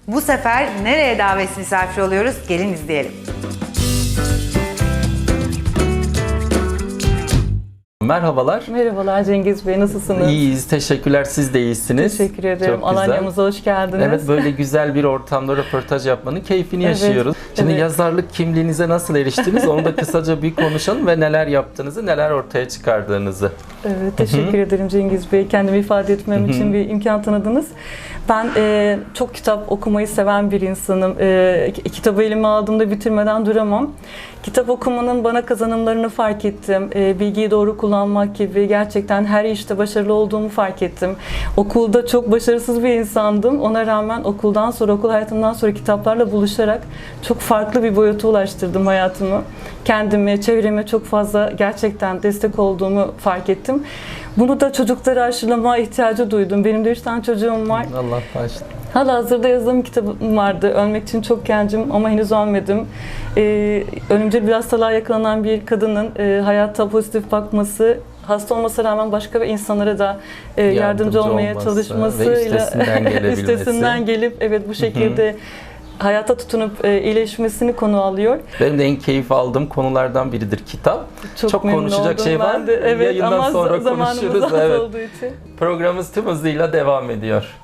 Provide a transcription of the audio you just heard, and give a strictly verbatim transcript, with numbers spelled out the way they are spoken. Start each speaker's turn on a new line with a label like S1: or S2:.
S1: Bu sefer nereye davet misafir oluyoruz? Gelin izleyelim.
S2: Merhabalar.
S3: Merhabalar Cengiz Bey, nasılsınız?
S2: İyiyiz, teşekkürler. Siz de iyisiniz.
S3: Teşekkür ederim.
S2: Çok güzel.
S3: Alanya'mıza hoş geldiniz.
S2: Evet, böyle güzel bir ortamda röportaj yapmanın keyfini
S3: Evet,
S2: yaşıyoruz. Şimdi
S3: evet.
S2: yazarlık kimliğinize nasıl eriştiniz? Onu da kısaca bir konuşalım ve neler yaptığınızı, neler ortaya çıkardığınızı.
S3: Evet, teşekkür ederim Cengiz Bey. Kendimi ifade etmem için bir imkan tanıdınız. Ben e, çok kitap okumayı seven bir insanım. E, kitabı elime aldığımda bitirmeden duramam. Kitap okumanın bana kazanımlarını fark ettim. E, bilgiyi doğru kullanmak gibi gerçekten her işte başarılı olduğumu fark ettim. Okulda çok başarısız bir insandım. Ona rağmen okuldan sonra, okul hayatımdan sonra kitaplarla buluşarak çok farklı bir boyuta ulaştırdım hayatımı. Kendime, çevreme çok fazla gerçekten destek olduğumu fark ettim. Bunu da çocukları aşılamaya ihtiyacı duydum. Benim de üç tane çocuğum var.
S2: Allah bağışlasın.
S3: Halihazırda yazdığım kitabım vardı. Ölmek için çok gencim ama henüz ölmedim. Ee, ölümcül bir hastalığa yakalanan bir kadının e, hayata pozitif bakması, hasta olmasına rağmen başka bir insanlara da e, yardımcı,
S2: Yardımcı
S3: olmaya
S2: olması
S3: çalışmasıyla
S2: ve üstesinden gelebilmesi.
S3: üstesinden gelip evet bu şekilde hayata tutunup e, iyileşmesini konu alıyor.
S2: Benim de en keyif aldığım konulardan biridir kitap.
S3: Çok,
S2: Çok
S3: memnun
S2: konuşacak
S3: oldum
S2: şey var.
S3: ben de. Evet,
S2: Yayından
S3: ama
S2: sonra
S3: zamanımız
S2: konuşuruz.
S3: az
S2: Evet.
S3: olduğu için.
S2: Programımız tüm hızıyla devam ediyor.